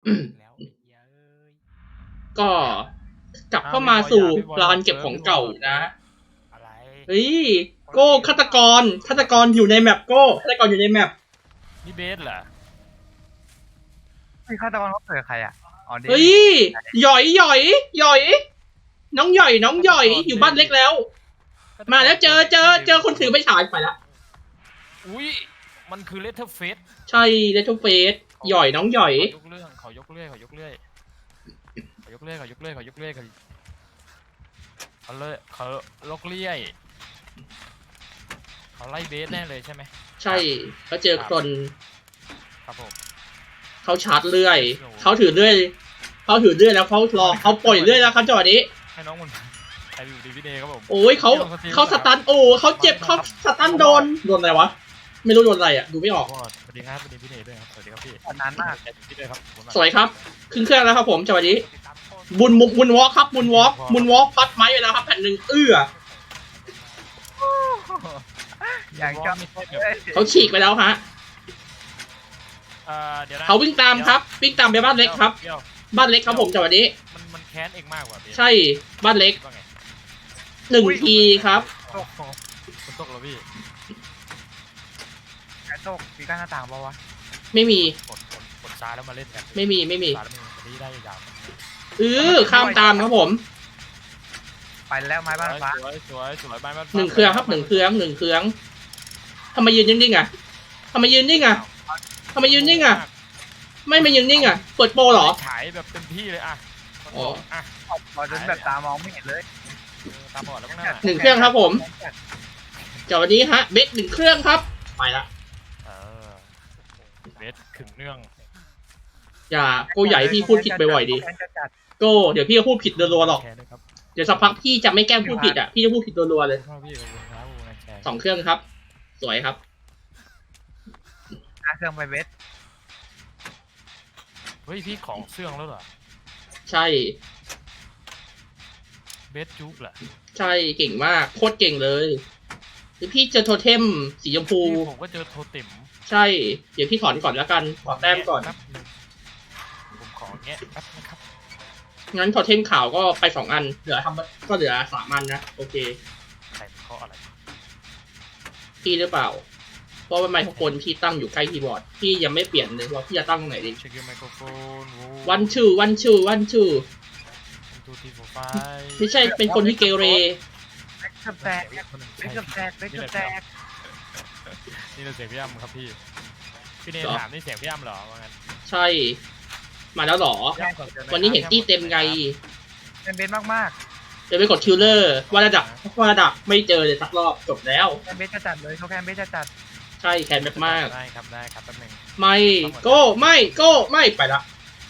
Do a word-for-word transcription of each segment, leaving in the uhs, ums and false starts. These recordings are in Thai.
แล้วเย้ยก็กลับเข้ามาสู่ลานเก็บของเก่านะอะไรเฮ้ยโก้ฆาตกรฆาตกรอยู่ในแมปโก้ฆาตกรอยู่ในแมปนี่เบสเหรอพี่ฆาตกรเขาเกิดใครอ่ะอ๋อเดเฮ้ยหย่อยหย่อยหย่อยน้องหย่อยน้องหย่อยอยู่บ้านเล็กแล้ว มาแล้วเจอเจอเจอคนถือไปฉายไปละอุ้ยมันคือเลเทอร์เฟสใช่เลทูเฟสหย่อยน้องหย่อยขอยกเรื่องขอยกเรื่อยขอยกเรื่อยขอยกเรื่อยขอยกเรื่อยขอยกเรื่อยเขาเลยเขาลกเรื่อยเขาไล่เบสแน่เลยใช่ไหมใช่เขาเจอคนครับผมเขาชาร์จเลื่อยเขาถือเลื่อยเขาถือเลื่อยแล้วเขารอเขาปล่อยเลื่อยแล้วครับจังหวะนี้ให้น้องมันใครอยู่ดีพี่เดย์ครับผมโอ้ยเขาเขาสตันโอ้เขาเจ็บเขาสตันโดนโดนอะไรวะไม่รู้โดนอะไรอ่ะดูไม่ออกสวัสดีครับสวัสดีพี่เดย์ด้วยครับสวัสดีครับพี่นานมากพี่เดย์ครับสวยครับขึ้นเครื่องแล้วครับผมจังหวะนี้บุญมุกบุญวอล์กครับบุญวอล์กบุญวอล์กพัดไม้ไปแล้วครับแผ่นหนึ่งเอื้ออย่างชอบเขาฉีกไปแล้วฮะเอ่อเดี๋ยวนะเขาวิ่งตามครับวิ่งตามไปบ้านเล็กครับบ้านเล็กครับผมจังหวะนี้มันมันแค้นเองมากกว่าใช่บ้านเล็กว่าไงหนึ่งทีครับตกมันตกแล้วพี่แค่ตกมีการหน้าต่างปะวะไม่มีกดกดกดซ้ายแล้วมาเล่นกันไม่มีไม่มีซ้ายแล้วมันนี้ได้ยาวเออข้ามตามครับผมไปแล้วไม้บ้านฟ้าสวยสวยสวยบ้านบ้านหนึ่งเครื่องครับหนึ่งเครื่องหนึ่งเครื่องทำไมยืนนิ่งๆอ่ะทำไมยืนนิ่งอ่ะทำไมยืนนิ่งอ่ะไม่มายืนนิ่งอ่ะเปิดโปรเหรอฉายแบบเต็มที่เลยอ่ะอ๋ออ่ะพอจนแบบตามองไม่เห็นเลยตาบอดแล้วมั้งน่ะหนึ่งเครื่องครับผมจากวันนี้ฮะเบสหนึ่งเครื่องครับไปละเออเบสขึงเนื่องอย่าโก้ใหญ่พี่พูดผิดบ่อยๆดิโก้เดี๋ยวพี่จะพูดผิดรัวๆหรอกแชร์ด้วยครับเดี๋ยวสักพักพี่จะไม่แกล้งพูดผิดอ่ะพี่จะพูดผิดรัวๆเลยขอบคุณพี่ขอบคุณครับขอบคุณนะแชร์สองเครื่องครับ สวยครับเครื่องไปเวทเฮ้ยพี่ของเสื่องแล้วเหรอใช่เบสจุ๊บเหรอใช่เก่งมากโคตรเก่งเลยเดี๋ยวพี่เจอโทเทมสีชมพูพี่ผมก็เจอโทติมใช่ เดี๋ยวพี่ถอนก่อนแล้วกันขอแต้มก่อนแป๊บนึงผมขอแงะแป๊บนะครับงั้นโทเทมขาวก็ไปสองอัน เหลือทำก็เหลือสามอันนะ โอเคใส่ข้ออะไรพี่หรือเปล่า เพราะว่าไมโครโฟนพี่ตั้งอยู่ใกล้คีย์บอร์ด พี่ยังไม่เปลี่ยนเลยว่าพี่จะตั้งตรงไหนดีเช็คไมโครโฟนวันชูวันชูวันชูทูทีโฟไฟไม่ใช่เป็นคนที่เกเรเล็กกับแตกเล็กกับแตกเล็กกับแตกนี่เราเสียงพี่อ้ำครับพี่ พี่เนยถามนี่เสียงพี่อ้ำเหรอว่างั้นใช่ มาแล้วเหรอ วันนี้เห็นตี้เต็มไงเป็นเบนมากเดี๋ยวไปกดคิวเลอร์ว่าระดับว่าระดับไม่เจอเลยสักรอบจบแล้วๆเป็นเบนจะจัดเลยเขาแค่เบนจะจัดใช่แคนมากได้ครับได้ครับแป๊บนึงๆไม่โก้ไม่โก้ไม่ไปละ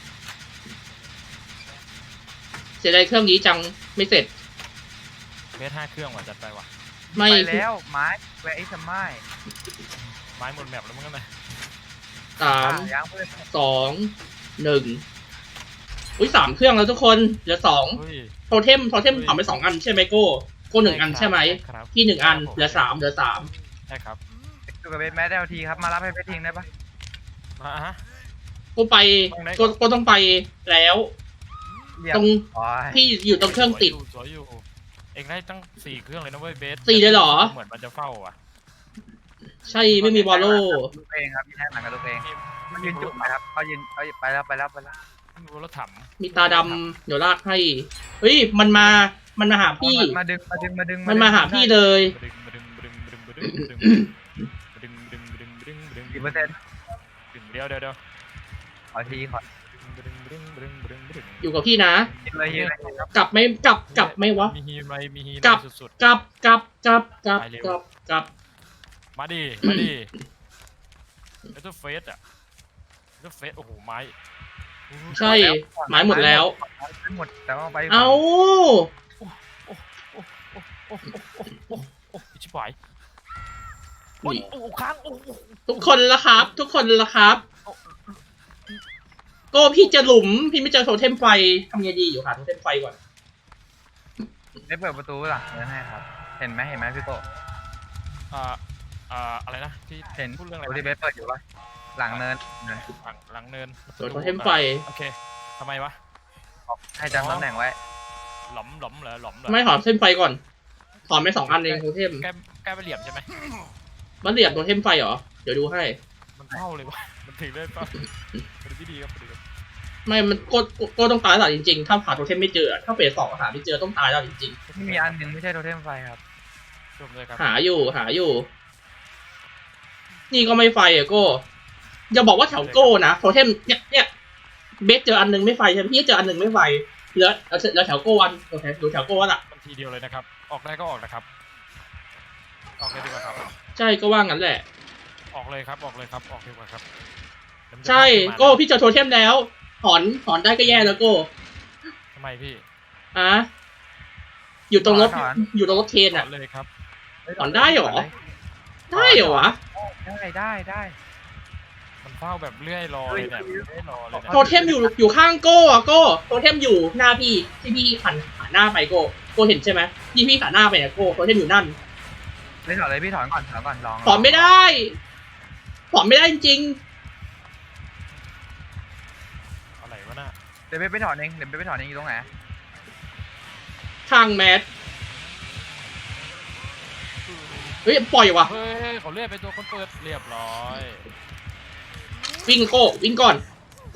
เสียดายเครื่องนี้จังไม่เสร็จเบสห้าเครื่องว่ะจัดไปว่ะไม่ไปแล้วไม้แวร์ไอ้สมัยไม้หมดแมปแล้วมั้งกันนะสามยางเพื่อนสองหนึ่งอุ้ยสามเครื่องแล้วทุกคนเหลือสองเฮ้ยโทเทมโทเทมทำไปสองอันใช่ไหมโก้โก้หนึ่งอันใช่ไหมครับพี่หนึ่งอันเหลือสามเหลือสามใช่ครับดูกับเบนแมสได้ทีครับมารับให้เบนทิ้งได้ปะมาฮะโก้ไปโก้โก้ต้องไปแล้ว ตรงอ๋อพี่อยู่ตรงเครื่องติดสวยอยู่เองได้ตั้งสี่เครื่องเลยนะเว้ยเบสสี่เลยเหรอเหมือนมันจะเฝ้าอ่ะใช่ไม่มีบอลโล่ลูกเองครับพี่แท้หนังกับลูกเองมันยืนจุ่มนะครับเขายืนเอาไปแล้วไปแล้วไปแล้วมีรถถังมีตาดำเดี๋ยวลากให้เฮ้ยมันมามันมาหาพี่มาดึงมาดึงมาดึงมันมาหาพี่เลยดึงดึงดึงดึงดึงดึงดึงดึงดึงดึงดึงกี่เปอร์เซ็นต์ดึงเดียวเดียวเดียวขอทีขอดึงดึงดึงดึงดึงอยู่กับพี่นะยิงเลยยิงเลยครับกลับไหม่กลับกลับไหม่วะมีฮีไรมีฮีกลับสุดกลับกลับกลับกลับกลับกลับๆมาดิมาดิเลเตอร์เฟสอ่ะเลเตอร์เฟสโอ้โหไม้ใช่หมายหมดแล้วหมดแต่ว่าไปเอาโอ้โอ้โอ้โอ้โอ้ชิบหายโอ้ยโอ้ค้างโอ้ทุกคนละครับ ทุกคนละครับโก้พี่จะหลุมพี่ไม่เจอโทเทมไฟทำไงดีอยู่หาโทเทมไฟก่อนได้เปิดประตูหลังเลยให้ครับ เห็นไหมเห็นไหมพี่โตอ่าอ่าอะไรนะที่เห็นพูดเรื่องอะไรประตูที่เบสเปิดอยู่ปะหลังเนินหลังหลังเนินโดนโทเทมไฟโอเคทำไมวะให้จำตำแหน่งไว้หลอมหลอมเหรอหลอมเหรอไม่ถอนเส้นไฟก่อน ถอนไปสองอันเองโทเทมแก้แก้ไปเหลี่ยมใช่ไหมมันเหลี่ยมโทเทมไฟเหรอ เดี๋ยวดูให้มันเท่าเลยวะมันถึงได้ป่ะเป็นที่ดีครับดีครับไม่ มันโกโกโกต้องตายแล้วจริงๆ ถ้าหาโทเทมไม่เจอ ถ้าเฟสสองหาไม่เจอต้องตายแล้วจริงที่มีอันหนึ่งไม่ใช่โทเทมไฟครับจบเลยครับๆ หาอยู่ หาอยู่ นี่ก็ไม่ไฟอ่ะโก้อย่าบอกว่าแถวโก้นะ โทเทมเนี่ยเนี่ยเบสเจออันหนึงไม่ไฟใช่ไหมพี่เจออันหนึ่งไม่ไฟเหลือเหลือแถวโก้วันโอเคดูแถวโก้วันอ่ะมันทีเดียวเลยนะครับ ออกได้ก็ออกนะครับ ออกเลยดีกว่าครับใช่ก็ว่างั้นแหละออกเลยครับออกเลยครับออกดีกว่าครับเดี๋ยวมันจะใช่มาโก้พี่เจอโทเทมแล้ว ถอน ถอนได้ก็แย่แล้วโก้ทำไมพี่อะอยู่ตรงรถถอนอยู่ตรงรถเทรนออ่ะอกเลยครับถอนได้เหรอ ได้เหรอวะได้ได้ได้มันเฝ้าแบบเลื่อยรอเลยเนี่ยเลื่อยรอเลยเนี่ยโทเทมอยู่อยู่ข้างโก้อะโก้โทเทมอยู่หน้าพี่ที่พี่หันหันหน้าไปโก้โก้เห็นใช่ไหมที่พี่หันหน้าไปเนี่ยโก้โทเทมอยู่นั่นไม่ถอนเลยพี่ถอนก่อนถอนก่อนลองถอนไม่ได้ถอนไม่ได้จริงอะไรวะน่ะเดี๋ยวไปไปถอนเองเดี๋ยวไปไปถอนเองอยู่ตรงไหนๆทางแมสเฮ้ยปล่อยวะเฮ้ยเขาเลื่อยไปตัวคนเปิดเรียบร้อยวิ่งโก้วิ่งก่อนโก้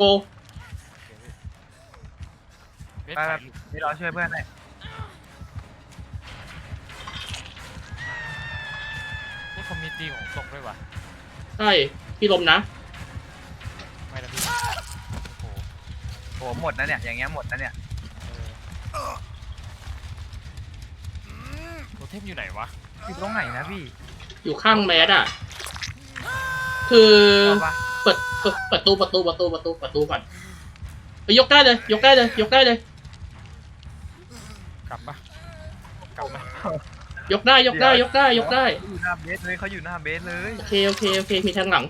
เบสไปถ่ายแบบรูปนี่เราช่วยเพื่อนให้นี่คอมมิตี้ของตกด้วยวะใช่พี่ลมนะไม่นะพี่โอ้โหโหหมดนะเนี่ยอย่างเงี้ยหมดนะเนี่ยเออโทเทมอยู่ไหนวะอยู่ตรงไหนนะพี่อยู่ข้างแมสอ่ะ คือเอาปะเปิดเปิดประตูประตูประตูประตูประตูก่อนไปยกได้เลย ยกได้เลย ยกได้เลยกลับปะกลับปะยกได้ยกได้ยกได้ยกได้เขาอยู่หน้าเบสเลยเขาอยู่หน้าเบสเลยโอเคโอเคโอเคมีทางหลัง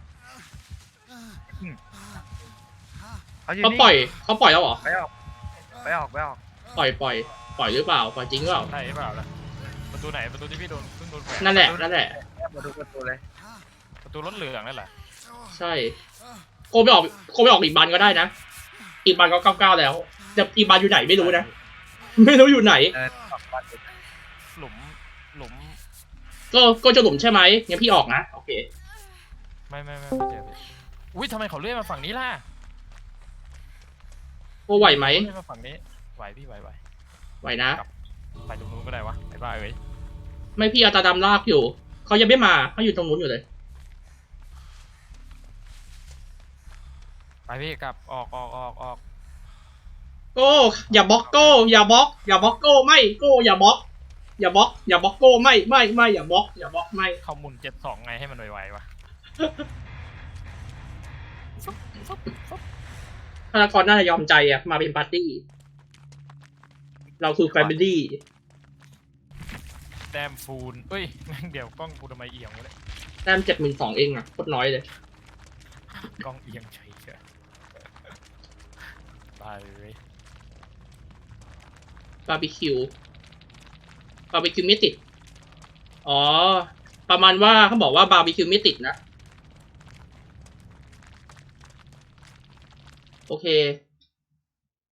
เขาอยู่เขานี่ปล่อยเขาปล่อยแล้วเหรอไปออกไปออกไปออกปล่อยปล่อยปล่อยหรือเปล่าปล่อยจริงหรือเปล่าใช่เปล่าล่ะประตูไหนประตูที่พี่โดนเพิ่งโดนแขวนนั่นแหละนั่นแหละมาดูประตูเลยประตูรถเหลืองนั่นแหละใช่โกไม่ออกโกไม่ออกอีกบันก็ได้นะอีกบันก็เก้าเก้าแล้วแต่อีกบันอยู่ไหนไม่รู้นะไม่รู้อยู่ไหนเออออกบัตรหลุมหลุมก็ก็จะหลุมใช่ไหมงั้นพี่ออกนะโอเคไม่ไม่ไม่ไม่เจอพี่อุ้ยทำไมเขาเลื่อยมาฝั่งนี้ล่ะโกไหวไหมเลื่อยมาฝั่งนี้ไหวพี่ไหวไหวไหวนะไปตรงนู้นก็ได้วะไอ้บ้าเอ้ยไม่พี่เอาตาดำลากอยู่เขายังไม่มาเขาอยู่ตรงนู้นอยู่เลยไปพี่กลับออกออกออกออกโก้อย่าบล็อกโก้อย่าบล็อกอย่าบล็อกโก้ไม่โก้อย่าบล็อกอย่าบล็อกอย่าบล็อกโก้ไม่ไม่ไม่อย่าบล็อกอย่าบล็อกไม่เข้าหมุนเจ็ดสองไงให้มันไวๆวะธนากรน่าจะยอมใจอะมาเป็นปาร์ตี้ เราคือแฟมิลี่แต้มฟูนเอ้ยแม่งเดี๋ยวกล้องกูทำไมเอียงวะเนี่ยแต้มเจ็ดหมื่นสองเองอะโคตรน้อยเลยกล้องเอียงเฉยเฉยไปเลยบาร์บีคิวบาร์บีคิวไม่ติดอ๋อประมาณว่าเขาบอกว่าบาร์บีคิวไม่ติดนะโอเค